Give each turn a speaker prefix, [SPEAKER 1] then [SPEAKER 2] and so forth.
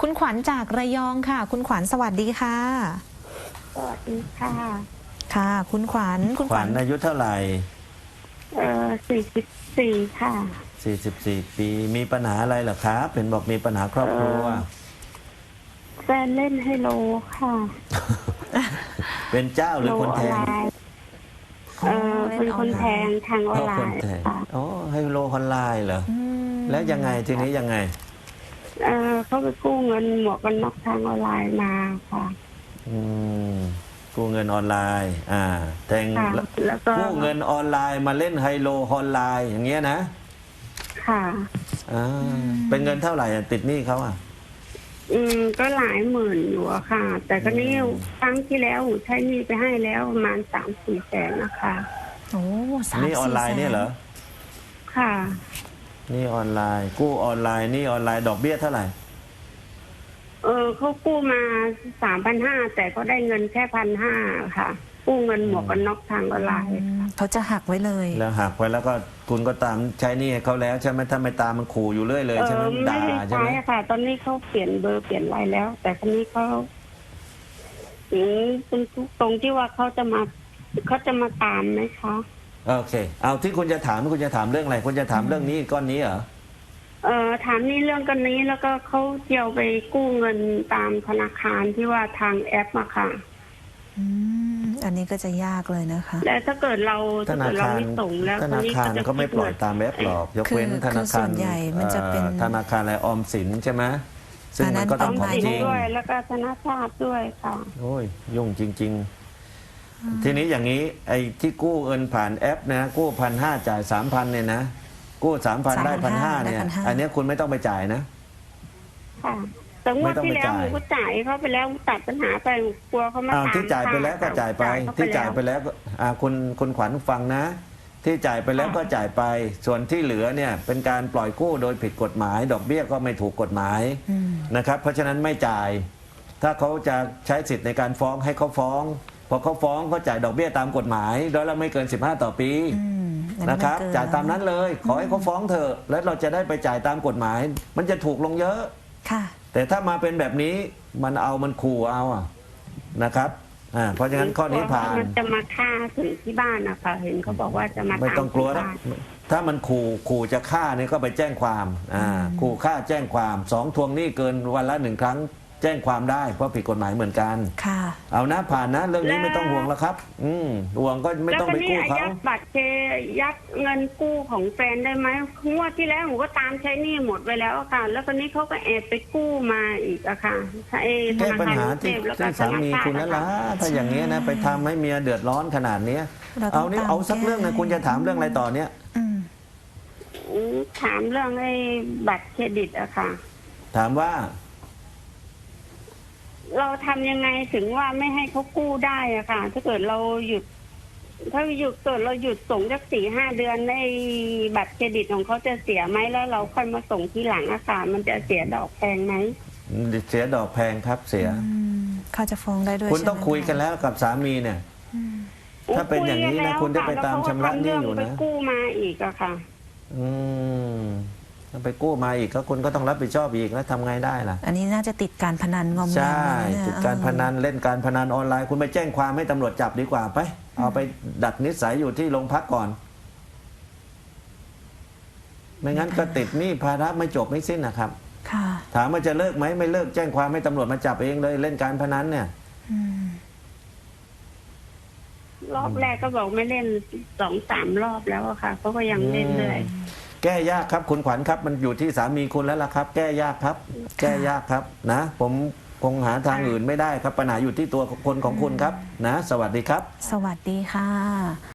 [SPEAKER 1] คุณขวัญจากระยองค่ะ คุณขวัญสวัสดีค่ะ
[SPEAKER 2] สวัสดีค่ะ
[SPEAKER 1] ค่ะ คุณขวัญ
[SPEAKER 3] ขวัญอายุเท่าไหร่
[SPEAKER 2] 44ค่ะ
[SPEAKER 3] 44 ปีมีปัญหาอะไรเหรอครับเห็นบอกมีปัญหาครอบครัว
[SPEAKER 2] แฟนเล่นไฮโลค่ะ
[SPEAKER 3] เป็นเจ้าหรือคนแทง
[SPEAKER 2] เป็นคนแทงทางออนไลน์ค่ะ
[SPEAKER 3] อ๋อไฮโลออนไลน์เหรอแล้วยังไงทีนี้ยังไง
[SPEAKER 2] เขาไปกู้เงินหมวกกันน็อกทางออนไลน์มาค่ะ
[SPEAKER 3] กู้เงินออนไลน์แทง
[SPEAKER 2] แล้วก็
[SPEAKER 3] กู้เงินออนไลน์มาเล่นไฮโลออนไลน์อย่างเงี้ยนะ
[SPEAKER 2] ค่ะ
[SPEAKER 3] เป็นเงินเท่าไหร่ติดหนี้เขา
[SPEAKER 2] ก็หลายหมื่นอยู่อะค่ะ แต่ก็นี่ครั้งที่แล้วใช้หนี้ไปให้แล้วประมาณ3-4 แสนนะคะ
[SPEAKER 1] โอ้
[SPEAKER 3] นี่ออนไลน์เนี่ยเหรอ
[SPEAKER 2] ค่ะ
[SPEAKER 3] นี่ออนไลน์กู้ออนไลน์นี่ออนไลน์ดอกเบี้ยเท่าไหร่
[SPEAKER 2] เขากู้มา 3,500แต่ก็ได้เงินแค่1,500ค่ะกู้เงินหมวกกันน็อกทางออนไลน์
[SPEAKER 1] เขาจะหักไว้เลย
[SPEAKER 3] แล้วหักไว้แล้วก็คุณก็ตามใช้หนี้ให้เขาแล้วใช่ไหมถ้าไม่ตามมันขู่อยู่เรื่อยเลยใช่ไหมด่าใช่ไหม
[SPEAKER 2] ค่ะตอนนี้เขาเปลี่ยนเบอร์เปลี่ยนอะไรแล้ว แต่คนนี้เขาเป็นตรงที่ว่าเขาจะมาตามไหมคะ
[SPEAKER 3] โอเคเอาที่คุณจะถามคุณจะถามเรื่องอะไรคุณจะถามเรื่องนี้ก้อนนี้เหรอ
[SPEAKER 2] ถามนี่เรื่องกันนี้แล้วก็เขาเที่ยวไปกู้เงินตามธนาคารที่ว่าทางแอปมาค่ะ
[SPEAKER 1] อันนี้ก็จะยากเลยนะคะ
[SPEAKER 2] และถ้าเกิดเราไม่ส่งแล้ว
[SPEAKER 3] ธนาคารก็ไม่ปล่อยตามแอปหรอกยกเว้นธนาคาร
[SPEAKER 1] ใหญ่มันจะเป็น
[SPEAKER 3] ธนาคารอะไรออมสินใช่ไหมซึ่งมันก็ต้องของจริง
[SPEAKER 2] ด้วยแล้วก็ธนาคารด้วยค่ะ
[SPEAKER 3] โอ้ยยุ่งจริงๆทีนี้อย่างนี้ไอ้ที่กู้เงินผ่านแอปนะกู้1,500จ่าย3,000เนี่ยนะกู้3,000ได้1,500เนี่ยอันนี้คุณไม่ต้องไปจ่ายนะ
[SPEAKER 2] ค่ะแต่งวดที่แล้วหนูก็จ่ายเขาไปแล้วตัดปัญหาไปกลัวเขามาตาม
[SPEAKER 3] ที่จ่ายไปแล้วก็จ่ายไปที่จ่ายไปแล้วคุณขวัญฟังนะที่จ่ายไปแล้วก็จ่ายไปส่วนที่เหลือเนี่ยเป็นการปล่อยกู้โดยผิดกฎหมายดอกเบี้ยก็ไม่ถูกกฎหมายนะครับเพราะฉะนั้นไม่จ่ายถ้าเขาจะใช้สิทธิ์ในการฟ้องให้เขาฟ้องพอเขาฟ้องก็จ่ายดอกเบี้ยตามกฎหมายโดยละไม่เกิน15ต่อปีนะครับจ่ายตามนั้นเลยขอให้เขาฟ้องเถอะแล้วเราจะได้ไปจ่ายตามกฎหมายมันจะถูกลงเยอะแต่ถ้ามาเป็นแบบนี้มันขู่เอานะครับเพราะฉะนั้นข้อนี้ผ่าน
[SPEAKER 2] มันจะมาฆ่าถึงที่บ้านนะคะเห็นเขาบอกว่าจะมา
[SPEAKER 3] ไม่ต้องกลัวนะถ้ามันขู่จะฆ่านี่ก็ไปแจ้งความขู่ฆ่าแจ้งความ2ทวงหนี้เกินวันละ1 ครั้งแจ้งความได้เพราะผิดกฎหมายเหมือนกันเอานะผ่านนะเรื่องนี้ไม่ต้องห่วงแล้วครับห่วงก็ไม่ต้องไปกู้เขา
[SPEAKER 2] ยัดบัตรยัดเงินกู้ของแฟนได้ไหมงวดที่แล้วหนูก็ตามใช้หนี้หมดไปแล้วค่ะแล้วคนนี้เขาก็แอบไปกู้มาอีกอะค่ะ
[SPEAKER 3] แก้ปัญหาที่สามีคุณนั่นละถ้าอย่างนี้นะไปทำให้เมียเดือดร้อนขนาดนี้เอาสักเรื่องนะคุณจะถามเรื่องอะไรต่อเนี้ย
[SPEAKER 2] ถามเรื่องไอ้บัตรเครดิตอะค่ะ
[SPEAKER 3] ถามว่า
[SPEAKER 2] เราทำยังไงถึงว่าไม่ให้เขากู้ได้อะค่ะถ้าเกิดเราหยุดเราหยุดส่งสัก4-5 เดือนในบัตรเครดิตของเขาจะเสียไหมแล้วเราค่อยมาส่งทีหลังอะค่ะมันจะเสียดอกแพงไหม
[SPEAKER 3] เสียดอกแพงครับเสีย
[SPEAKER 1] เขาจะฟ้องได้ด้วย
[SPEAKER 3] คุณต้องคุยกันแล้วกับสามีเนี่ยถ้าเป็นอย่างนี้นะคุณได้ไปตามชำระหนี้อยู่นะ
[SPEAKER 2] ไปกู้มาอีกอะค่ะ
[SPEAKER 3] ไปกู้มาอีกก็คุณก็ต้องรับผิดชอบอีกแล้วทำไงได้ล่ะ
[SPEAKER 1] อันนี้น่าจะติดการพนันงอมแงม
[SPEAKER 3] ใช่ติดการพนันเล่นการพนันออนไลน์คุณไปแจ้งความให้ตำรวจจับดีกว่าไปเอาไปดัดนิสัยอยู่ที่โรงพักก่อนไม่งั้นก็ติดหนี้ภาระไม่จบไม่สิ้นนะครับถามว่าจะเลิกไหมไม่เลิกแจ้งความให้ตำรวจมาจับเองเลยเล่นการพนันเนี่ย
[SPEAKER 2] รอบแรกก็บอกไม่เล่น2-3 รอบแล้วค่ะเขาก็ยังเล่นเลย
[SPEAKER 3] แก้ยากครับคุณขวัญครับมันอยู่ที่สามีคุณแล้วล่ะครับแก้ยากครับแก้ยากครับนะผมคงหาทางอื่นไม่ได้ครับปัญหาอยู่ที่ตัวคนของคุณครับนะสวัสดีครับ
[SPEAKER 1] สวัสดีค่ะ